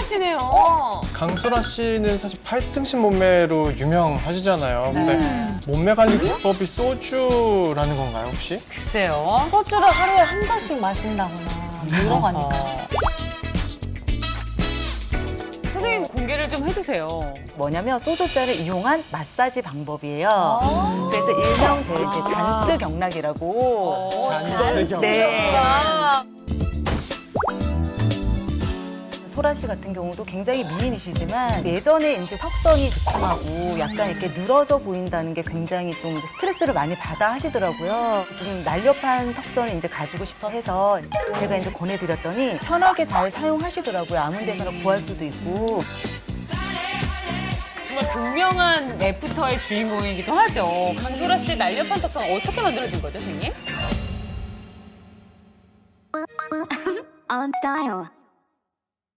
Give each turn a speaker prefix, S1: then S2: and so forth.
S1: 유명하시네요.
S2: 강소라 씨는 사실 팔등신 몸매로 유명하시잖아요. 근데
S1: 네.
S2: 몸매 관리 비법이 소주라는 건가요, 혹시?
S1: 글쎄요.
S3: 소주를 하루에 한 잔씩 마신다거나 뭐 이런 거 아닐까요?
S1: 선생님 공개를 좀 해주세요.
S4: 뭐냐면 소주잔을 이용한 마사지 방법이에요. 그래서 일명 제 이제 잔스 경락이라고.
S2: 잔스 경락.
S4: 네.
S1: 아,
S4: 소라 씨 같은 경우도 굉장히 미인이시지만 예전에 이제 턱선이 두툼하고 약간 이렇게 늘어져 보인다는 게 굉장히 좀 스트레스를 많이 받아 하시더라고요. 좀 날렵한 턱선을 이제 가지고 싶어 해서 제가 이제 권해드렸더니 편하게 잘 사용하시더라고요. 아무 데서나 구할 수도 있고.
S1: 정말 극명한 애프터의 주인공이기도 하죠. 강소라 씨의 날렵한 턱선 어떻게 만들어진 거죠, 선생님?
S5: On style.